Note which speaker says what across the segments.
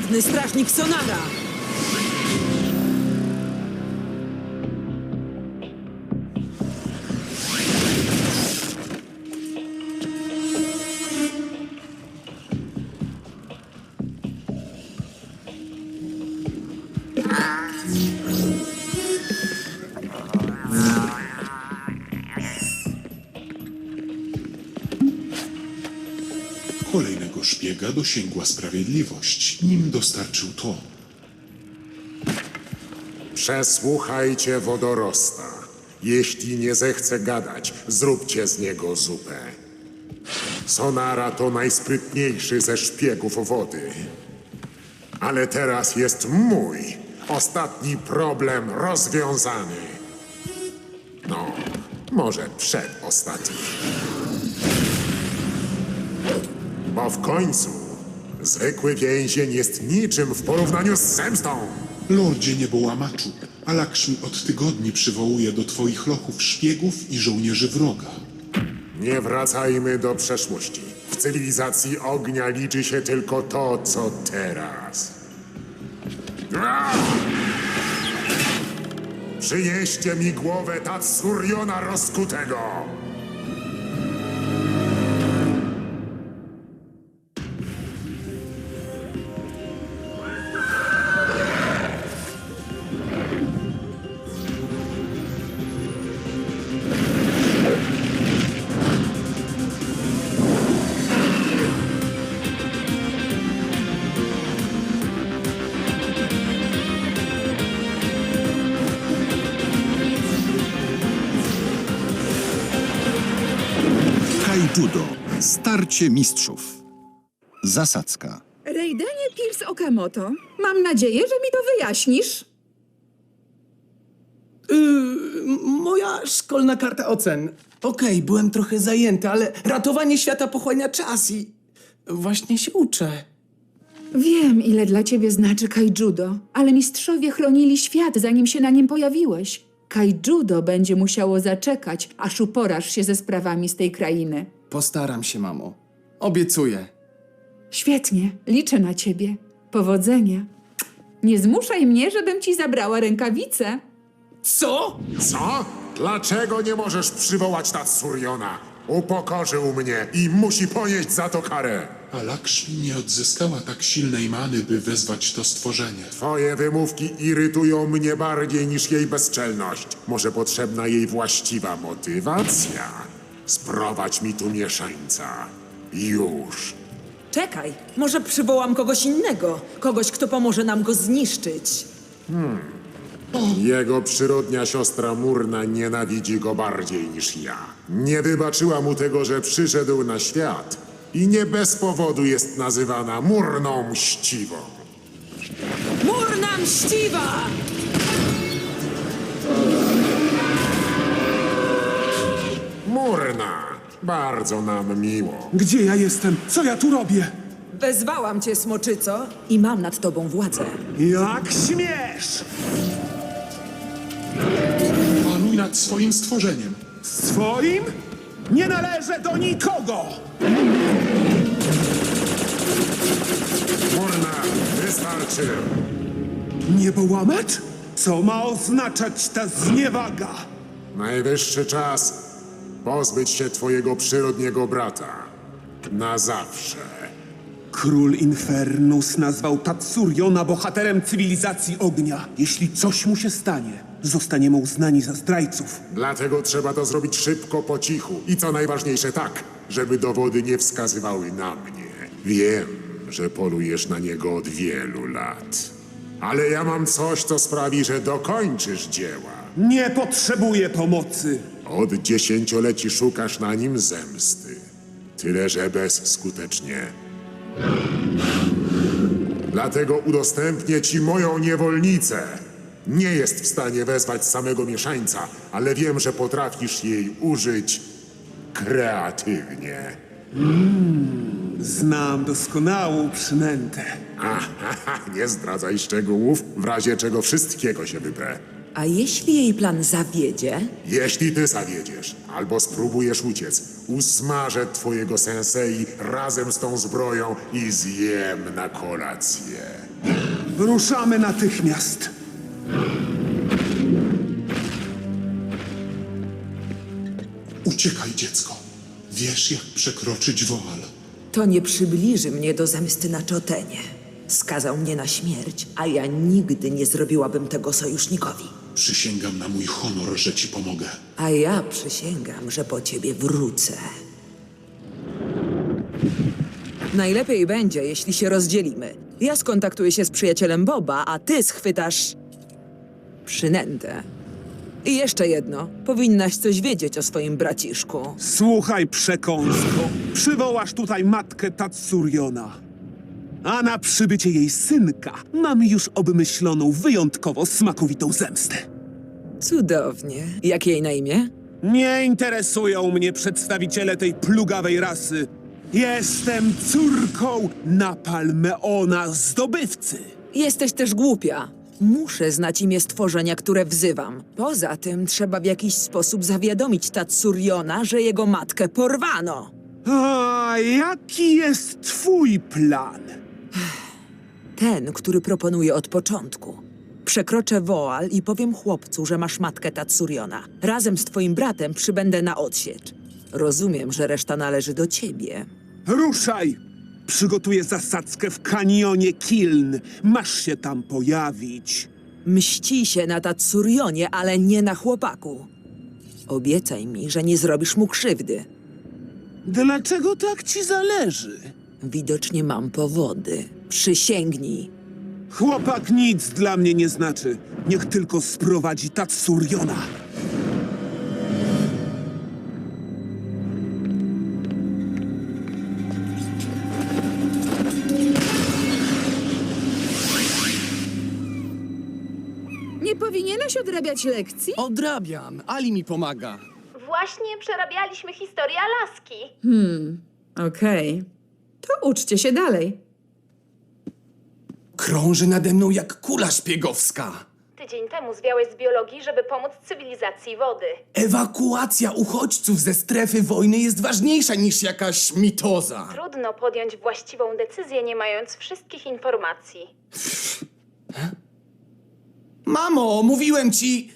Speaker 1: Wodny strażnik Sonara!
Speaker 2: Kolejnego szpiega dosięgła sprawiedliwość, nim dostarczył to.
Speaker 3: Przesłuchajcie wodorosta. Jeśli nie zechce gadać, zróbcie z niego zupę. Sonara to najsprytniejszy ze szpiegów wody. Ale teraz jest mój. Ostatni problem rozwiązany. No, może przedostatni. Bo w końcu zwykły więzień jest niczym w porównaniu z zemstą.
Speaker 2: Lordzie Niebołamaczu, Alakshmi od tygodni przywołuje do twoich lochów szpiegów i żołnierzy wroga.
Speaker 3: Nie wracajmy do przeszłości. W cywilizacji ognia liczy się tylko to, co teraz. Przynieście mi głowę Tatsuriona rozkutego!
Speaker 4: Judo. Starcie mistrzów. Zasadzka.
Speaker 5: Raidenie Pierce Okamoto, mam nadzieję, że mi to wyjaśnisz.
Speaker 6: Moja szkolna karta ocen. Okej, byłem trochę zajęty, ale ratowanie świata pochłania czas i właśnie się uczę.
Speaker 5: Wiem, ile dla ciebie znaczy kaijudo, ale mistrzowie chronili świat, zanim się na nim pojawiłeś. Kaijudo będzie musiało zaczekać, aż uporasz się ze sprawami z tej krainy.
Speaker 6: Postaram się, mamo. Obiecuję.
Speaker 5: Świetnie, liczę na ciebie. Powodzenia. Nie zmuszaj mnie, żebym ci zabrała rękawice.
Speaker 6: Co?
Speaker 3: Co? Dlaczego nie możesz przywołać Tatsuriona? Upokorzył mnie i musi ponieść za to karę.
Speaker 2: Alakshmi nie odzyskała tak silnej many, by wezwać to stworzenie.
Speaker 3: Twoje wymówki irytują mnie bardziej niż jej bezczelność. Może potrzebna jej właściwa motywacja? Sprowadź mi tu mieszańca. Już.
Speaker 1: Czekaj, może przywołam kogoś innego. Kogoś, kto pomoże nam go zniszczyć.
Speaker 3: Jego przyrodnia siostra Murna nienawidzi go bardziej niż ja. Nie wybaczyła mu tego, że przyszedł na świat i nie bez powodu jest nazywana Murną Mściwą.
Speaker 1: Murna Mściwa!
Speaker 3: Murna, bardzo nam miło.
Speaker 7: Gdzie ja jestem? Co ja tu robię?
Speaker 1: Wezwałam cię, smoczyco, i mam nad tobą władzę.
Speaker 7: Jak śmiesz!
Speaker 2: Panuj nad swoim stworzeniem.
Speaker 7: Swoim? Nie należę do nikogo!
Speaker 3: Murna, wystarczy.
Speaker 7: Niebołamacz? Co ma oznaczać ta zniewaga?
Speaker 3: Najwyższy czas pozbyć się twojego przyrodniego brata. Na zawsze.
Speaker 7: Król Infernus nazwał Tatsuriona bohaterem cywilizacji ognia. Jeśli coś mu się stanie, zostaniemy uznani za zdrajców.
Speaker 3: Dlatego trzeba to zrobić szybko, po cichu. I co najważniejsze tak, żeby dowody nie wskazywały na mnie. Wiem, że polujesz na niego od wielu lat. Ale ja mam coś, co sprawi, że dokończysz dzieła.
Speaker 7: Nie potrzebuję pomocy.
Speaker 3: Od dziesięcioleci szukasz na nim zemsty. Tyle, że bezskutecznie. Dlatego udostępnię ci moją niewolnicę. Nie jest w stanie wezwać samego mieszańca, ale wiem, że potrafisz jej użyć kreatywnie.
Speaker 7: Znam doskonałą przynętę.
Speaker 3: Nie zdradzaj szczegółów, w razie czego wszystkiego się wyprę.
Speaker 1: A jeśli jej plan zawiedzie?
Speaker 3: Jeśli ty zawiedziesz, albo spróbujesz uciec, usmażę twojego sensei razem z tą zbroją i zjem na kolację.
Speaker 7: Ruszamy natychmiast.
Speaker 2: Uciekaj, dziecko. Wiesz, jak przekroczyć woal.
Speaker 1: To nie przybliży mnie do zemsty na Chotenie. Skazał mnie na śmierć, a ja nigdy nie zrobiłabym tego sojusznikowi.
Speaker 2: Przysięgam na mój honor, że ci pomogę.
Speaker 1: A ja przysięgam, że po ciebie wrócę. Najlepiej będzie, jeśli się rozdzielimy. Ja skontaktuję się z przyjacielem Boba, a ty schwytasz... przynętę. I jeszcze jedno. Powinnaś coś wiedzieć o swoim braciszku.
Speaker 7: Słuchaj, przekąsko. Przywołasz tutaj matkę Tatsuriona. A na przybycie jej synka mam już obmyśloną wyjątkowo smakowitą zemstę.
Speaker 1: Cudownie. Jak jej na imię?
Speaker 7: Nie interesują mnie przedstawiciele tej plugawej rasy. Jestem córką Napalmeona, zdobywcy.
Speaker 1: Jesteś też głupia. Muszę znać imię stworzenia, które wzywam. Poza tym trzeba w jakiś sposób zawiadomić Tatsuriona, że jego matkę porwano.
Speaker 7: A jaki jest twój plan?
Speaker 1: Ten, który proponuję od początku. Przekroczę woal i powiem chłopcu, że masz matkę Tatsuriona. Razem z twoim bratem przybędę na odsiecz. Rozumiem, że reszta należy do ciebie.
Speaker 7: Ruszaj! Przygotuję zasadzkę w kanionie Kiln. Masz się tam pojawić.
Speaker 1: Mści się na Tatsurionie, ale nie na chłopaku. Obiecaj mi, że nie zrobisz mu krzywdy.
Speaker 7: Dlaczego tak ci zależy?
Speaker 1: Widocznie mam powody. Przysięgnij.
Speaker 7: Chłopak nic dla mnie nie znaczy. Niech tylko sprowadzi Tatsuriona.
Speaker 5: Nie powinieneś odrabiać lekcji?
Speaker 6: Odrabiam, Ali mi pomaga.
Speaker 8: Właśnie przerabialiśmy historię Alaski.
Speaker 5: Okej. To uczcie się dalej.
Speaker 6: Krąży nade mną jak kula szpiegowska.
Speaker 8: Tydzień temu zwiałeś z biologii, żeby pomóc cywilizacji wody.
Speaker 6: Ewakuacja uchodźców ze strefy wojny jest ważniejsza niż jakaś mitoza.
Speaker 8: Trudno podjąć właściwą decyzję, nie mając wszystkich informacji.
Speaker 6: Mamo, mówiłem ci...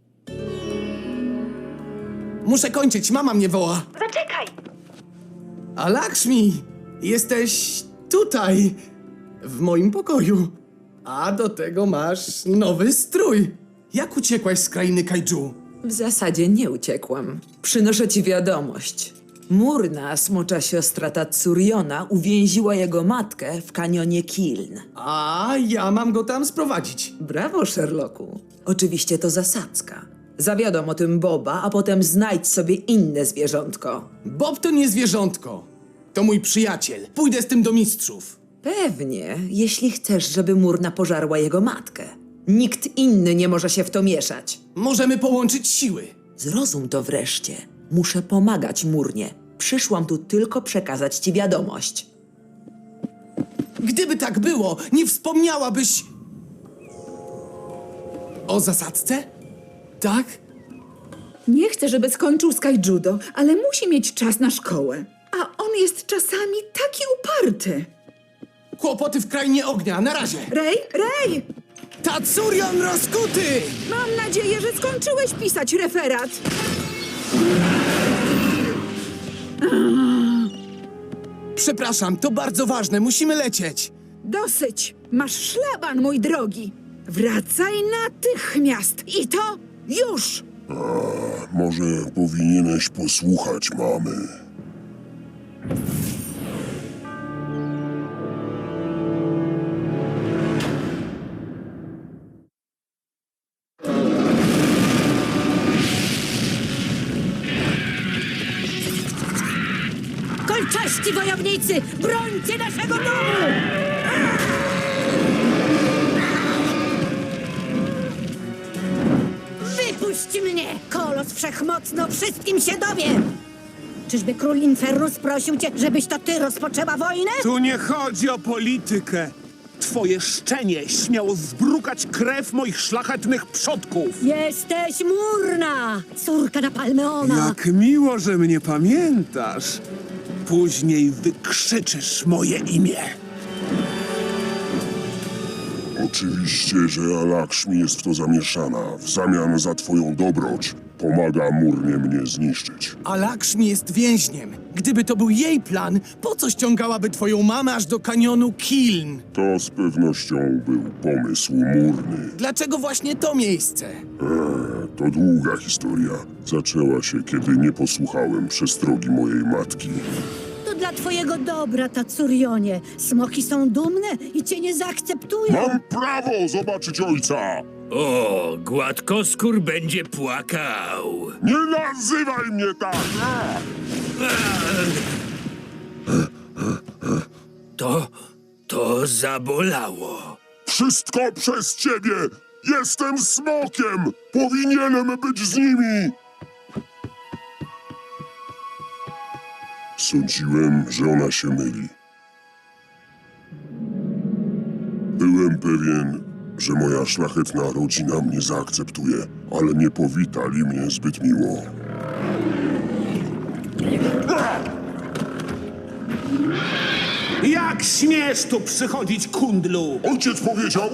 Speaker 6: Muszę kończyć, mama mnie woła.
Speaker 8: Zaczekaj!
Speaker 6: A Lakshmi, jesteś tutaj, w moim pokoju. A do tego masz nowy strój. Jak uciekłaś z krainy kaiju?
Speaker 1: W zasadzie nie uciekłam. Przynoszę ci wiadomość. Murna, smocza siostra Tatsuriona, uwięziła jego matkę w kanionie Kiln.
Speaker 6: A ja mam go tam sprowadzić.
Speaker 1: Brawo, Sherlocku. Oczywiście to zasadzka. Zawiadom o tym Boba, a potem znajdź sobie inne zwierzątko.
Speaker 6: Bob to nie zwierzątko. To mój przyjaciel. Pójdę z tym do mistrzów.
Speaker 1: Pewnie, jeśli chcesz, żeby Murna pożarła jego matkę. Nikt inny nie może się w to mieszać.
Speaker 6: Możemy połączyć siły.
Speaker 1: Zrozum to wreszcie. Muszę pomagać Murnie. Przyszłam tu tylko przekazać ci wiadomość.
Speaker 6: Gdyby tak było, nie wspomniałabyś... O zasadzce? Tak?
Speaker 5: Nie chcę, żeby skończył z kaijudo, ale musi mieć czas na szkołę. A on jest czasami taki uparty.
Speaker 6: Kłopoty w krainie ognia, na razie.
Speaker 5: Rej!
Speaker 6: Tatsurion rozkuty!
Speaker 5: Mam nadzieję, że skończyłeś pisać referat.
Speaker 6: Przepraszam, to bardzo ważne, musimy lecieć.
Speaker 5: Dosyć. Masz szlaban, mój drogi. Wracaj natychmiast. I to już.
Speaker 9: Może powinieneś posłuchać mamy.
Speaker 10: Kolczaści wojownicy! Brońcie naszego domu! Wypuść mnie! Kolos Wszechmocno wszystkim się dowie! Czyżby król Infernus prosił cię, żebyś to ty rozpoczęła wojnę?
Speaker 7: Tu nie chodzi o politykę. twoje szczenie śmiało zbrukać krew moich szlachetnych przodków?
Speaker 10: Jesteś Murna, córka Napalmeona.
Speaker 7: Jak miło, że mnie pamiętasz. Później wykrzyczysz moje imię.
Speaker 9: Oczywiście, że Alakshmi jest w to zamieszana. W zamian za twoją dobroć pomaga Murnie mnie zniszczyć.
Speaker 6: A Lakshmi jest więźniem. Gdyby to był jej plan, po co ściągałaby twoją mamę aż do kanionu Kiln?
Speaker 9: To z pewnością był pomysł Murny.
Speaker 6: Dlaczego właśnie to miejsce?
Speaker 9: To długa historia. Zaczęła się, kiedy nie posłuchałem przestrogi mojej matki.
Speaker 10: To dla twojego dobra, Tatsurionie. Smoki są dumne i cię nie zaakceptują.
Speaker 9: Mam prawo zobaczyć ojca!
Speaker 11: O, gładkoskór będzie płakał.
Speaker 9: Nie nazywaj mnie tak!
Speaker 11: To zabolało.
Speaker 9: Wszystko przez ciebie! Jestem smokiem! Powinienem być z nimi! Sądziłem, że ona się myli. Byłem pewien, że moja szlachetna rodzina mnie zaakceptuje, ale nie powitali mnie zbyt miło.
Speaker 7: Jak śmiesz tu przychodzić, kundlu?
Speaker 9: Ojciec powiedział...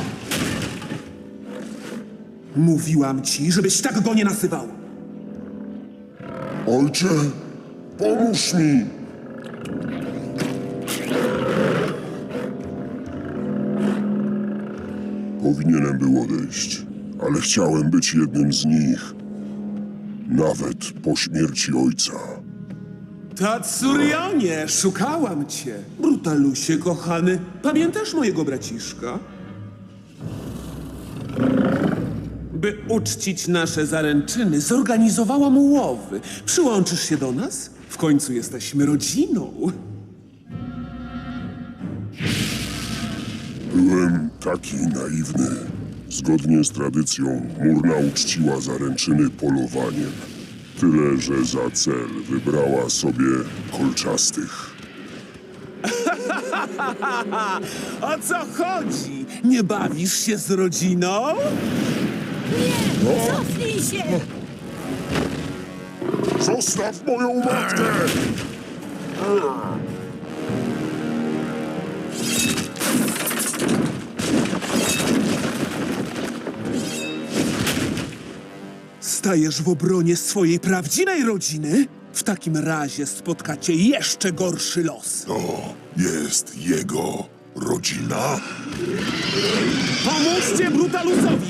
Speaker 7: Mówiłam ci, żebyś tak go nie nazywał.
Speaker 9: Ojcze, pomóż mi! Powinienem był odejść, ale chciałem być jednym z nich. Nawet po śmierci ojca.
Speaker 7: Tatsurionie, szukałam cię. Brutalusie, kochany. Pamiętasz mojego braciszka? By uczcić nasze zaręczyny, zorganizowałam łowy. Przyłączysz się do nas? W końcu jesteśmy rodziną.
Speaker 9: Byłem taki naiwny. Zgodnie z tradycją, Murna uczciła zaręczyny polowaniem. Tyle, że za cel wybrała sobie kolczastych.
Speaker 7: O co chodzi? Nie bawisz się z rodziną?
Speaker 10: Cofnij się!
Speaker 9: Zostaw moją matkę!
Speaker 7: Stajesz w obronie swojej prawdziwej rodziny? W takim razie spotkacie jeszcze gorszy los.
Speaker 9: To jest jego rodzina?
Speaker 7: Pomóżcie Brutalusowi!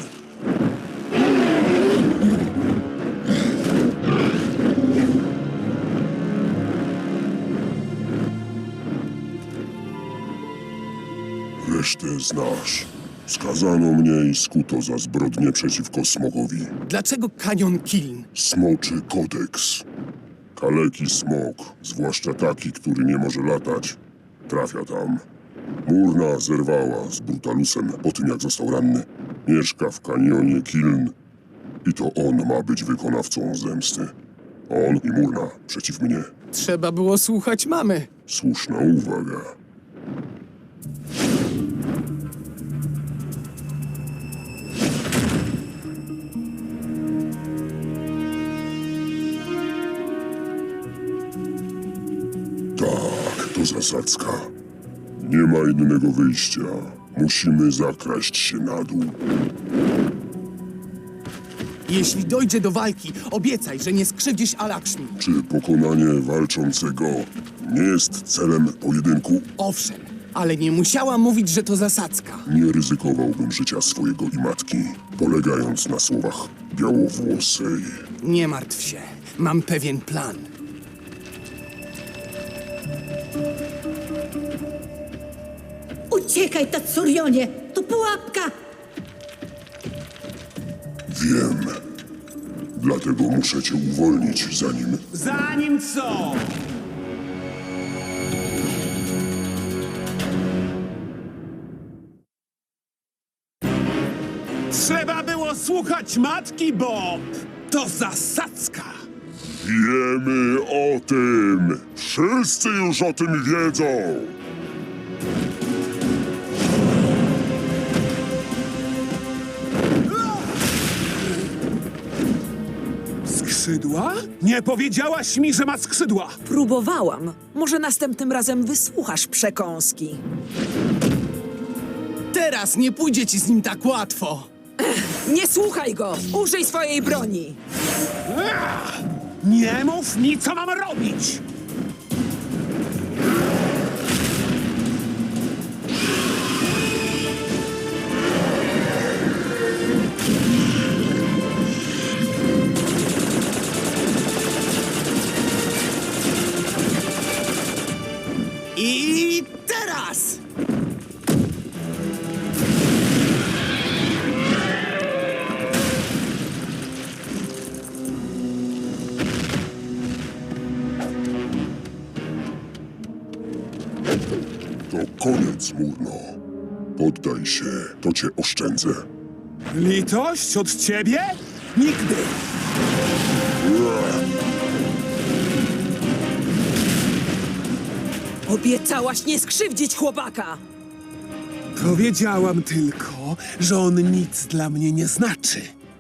Speaker 9: Resztę znasz. Skazano mnie i skuto za zbrodnie przeciwko smogowi.
Speaker 6: Dlaczego kanion Kiln?
Speaker 9: Smoczy kodeks. Kaleki smok, zwłaszcza taki, który nie może latać, trafia tam. Murna zerwała z Brutalusem po tym, jak został ranny. Mieszka w kanionie Kiln i to on ma być wykonawcą zemsty. On i Murna przeciw mnie.
Speaker 6: Trzeba było słuchać mamy.
Speaker 9: Słuszna uwaga. Tak, to zasadzka. Nie ma innego wyjścia. Musimy zakraść się na dół.
Speaker 6: Jeśli dojdzie do walki, obiecaj, że nie skrzywdzisz Alakshmi.
Speaker 9: Czy pokonanie walczącego nie jest celem pojedynku?
Speaker 6: Owszem, ale nie musiała mówić, że to zasadzka.
Speaker 9: Nie ryzykowałbym życia swojego i matki, polegając na słowach białowłosej.
Speaker 6: Nie martw się, mam pewien plan.
Speaker 10: Uciekaj, Tatsurionie! To pułapka!
Speaker 9: Wiem. Dlatego muszę cię uwolnić, zanim...
Speaker 7: Zanim co? Trzeba było słuchać matki, Bob! To zasadzka!
Speaker 9: Wiemy o tym! Wszyscy już o tym wiedzą!
Speaker 7: Skrzydła? Nie powiedziałaś mi, że ma skrzydła!
Speaker 1: Próbowałam. Może następnym razem wysłuchasz przekąski.
Speaker 6: Teraz nie pójdzie ci z nim tak łatwo.
Speaker 1: Nie słuchaj go! Użyj swojej broni!
Speaker 7: Nie mów mi, co mam robić!
Speaker 6: I teraz!
Speaker 9: To koniec, Murno. Poddaj się, to cię oszczędzę.
Speaker 7: Litość od ciebie? Nigdy!
Speaker 1: Obiecałaś nie skrzywdzić chłopaka!
Speaker 7: Powiedziałam tylko, że on nic dla mnie nie znaczy.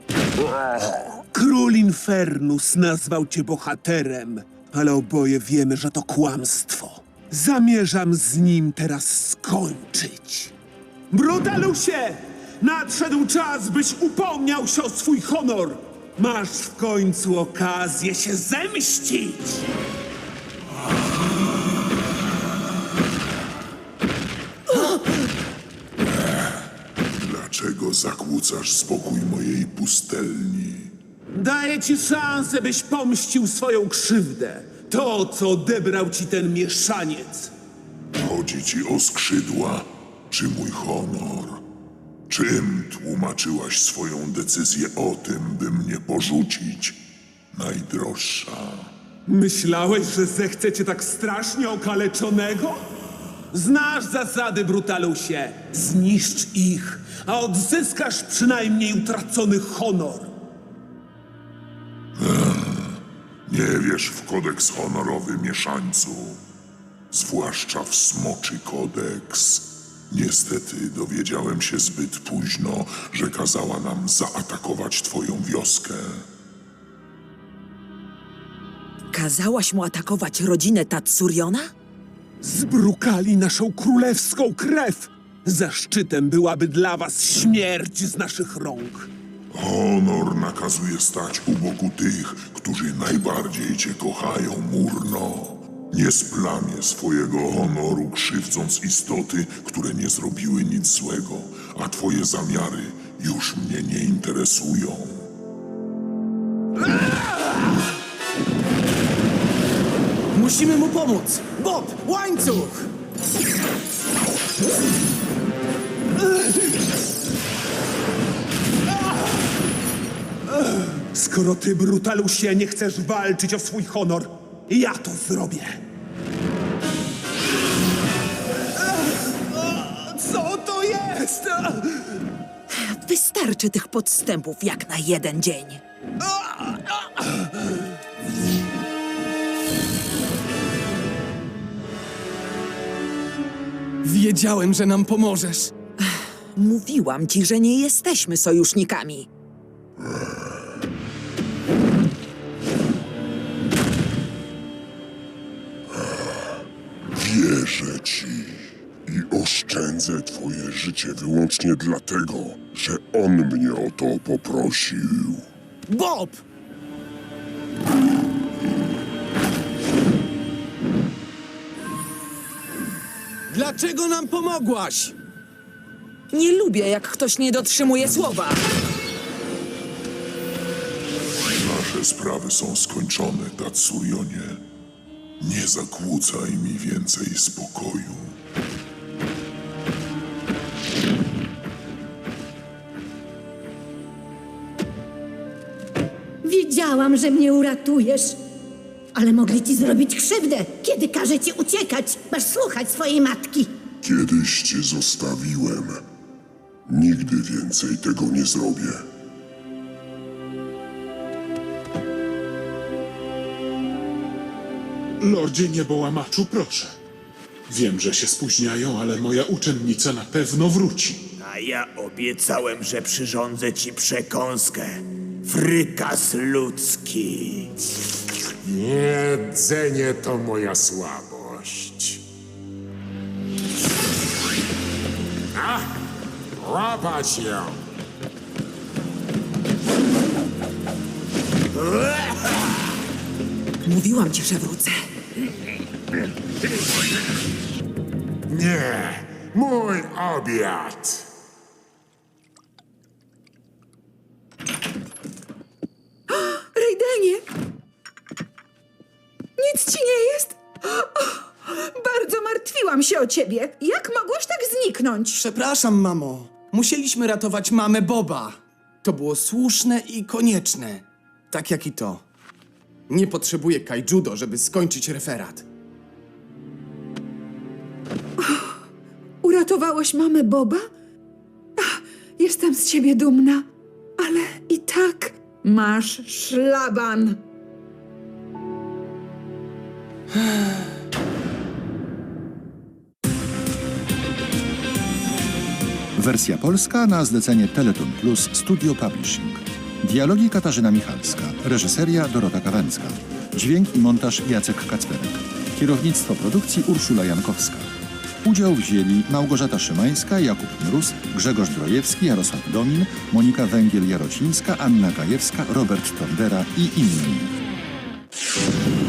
Speaker 7: Król Infernus nazwał cię bohaterem, ale oboje wiemy, że to kłamstwo. Zamierzam z nim teraz skończyć. Brutalusie! Nadszedł czas, byś upomniał się o swój honor! Masz w końcu okazję się zemścić!
Speaker 3: Dlaczego zakłócasz spokój mojej pustelni?
Speaker 7: Daję ci szansę, byś pomścił swoją krzywdę. To, co odebrał ci ten mieszaniec.
Speaker 3: Chodzi ci o skrzydła, czy mój honor? Czym tłumaczyłaś swoją decyzję o tym, by mnie porzucić, najdroższa?
Speaker 7: Myślałeś, że zechcę cię tak strasznie okaleczonego? Znasz zasady, Brutalusie. Zniszcz ich, a odzyskasz przynajmniej utracony honor.
Speaker 3: Nie wiesz w kodeks honorowy, mieszańcu. Zwłaszcza w smoczy kodeks. Niestety dowiedziałem się zbyt późno, że kazała nam zaatakować twoją wioskę.
Speaker 1: Kazałaś mu atakować rodzinę Tatsuriona?
Speaker 7: Zbrukali naszą królewską krew. Zaszczytem byłaby dla was śmierć z naszych rąk.
Speaker 3: Honor nakazuje stać u boku tych, którzy najbardziej cię kochają, Murno. Nie splamię swojego honoru, krzywdząc istoty, które nie zrobiły nic złego, a twoje zamiary już mnie nie interesują.
Speaker 6: Musimy mu pomóc! Bob, łańcuch!
Speaker 7: Skoro ty, Brutalusie, nie chcesz walczyć o swój honor, ja to zrobię. Co to jest?
Speaker 1: Wystarczy tych podstępów jak na jeden dzień.
Speaker 6: Wiedziałem, że nam pomożesz.
Speaker 1: Mówiłam ci, że nie jesteśmy sojusznikami.
Speaker 9: Wierzę ci i oszczędzę twoje życie wyłącznie dlatego, że on mnie o to poprosił.
Speaker 6: Bob! Dlaczego nam pomogłaś?
Speaker 1: Nie lubię, jak ktoś nie dotrzymuje słowa.
Speaker 3: Nasze sprawy są skończone, Tatsurionie. Nie zakłócaj mi więcej spokoju.
Speaker 10: Wiedziałam, że mnie uratujesz. Ale mogli ci zrobić krzywdę. Kiedy każe ci uciekać, masz słuchać swojej matki.
Speaker 9: Kiedyś cię zostawiłem. Nigdy więcej tego nie zrobię.
Speaker 2: Lordzie Niebołamaczu, proszę. Wiem, że się spóźniają, ale moja uczennica na pewno wróci.
Speaker 11: A ja obiecałem, że przyrządzę ci przekąskę. Frykas ludzki.
Speaker 3: Jedzenie to moja słabość. Łapać ją!
Speaker 1: Mówiłam ci, że wrócę.
Speaker 3: Nie, mój obiad!
Speaker 5: Raidenie! Nic ci nie jest? Bardzo martwiłam się o ciebie. Jak mogłeś tak zniknąć?
Speaker 6: Przepraszam, mamo. Musieliśmy ratować mamę Boba. To było słuszne i konieczne. Tak jak i to. Nie potrzebuję Kaijudo, żeby skończyć referat.
Speaker 5: Uratowałeś mamę Boba? Jestem z ciebie dumna, ale i tak masz szlaban.
Speaker 4: Wersja polska na zlecenie Teleton Plus Studio Publishing. Dialogi Katarzyna Michalska. Reżyseria Dorota Kawęcka. Dźwięk i montaż Jacek Kacperek. Kierownictwo produkcji Urszula Jankowska. Udział wzięli Małgorzata Szymańska, Jakub Mróz, Grzegorz Drojewski, Jarosław Domin, Monika Węgiel-Jarocińska, Anna Gajewska, Robert Tondera i inni.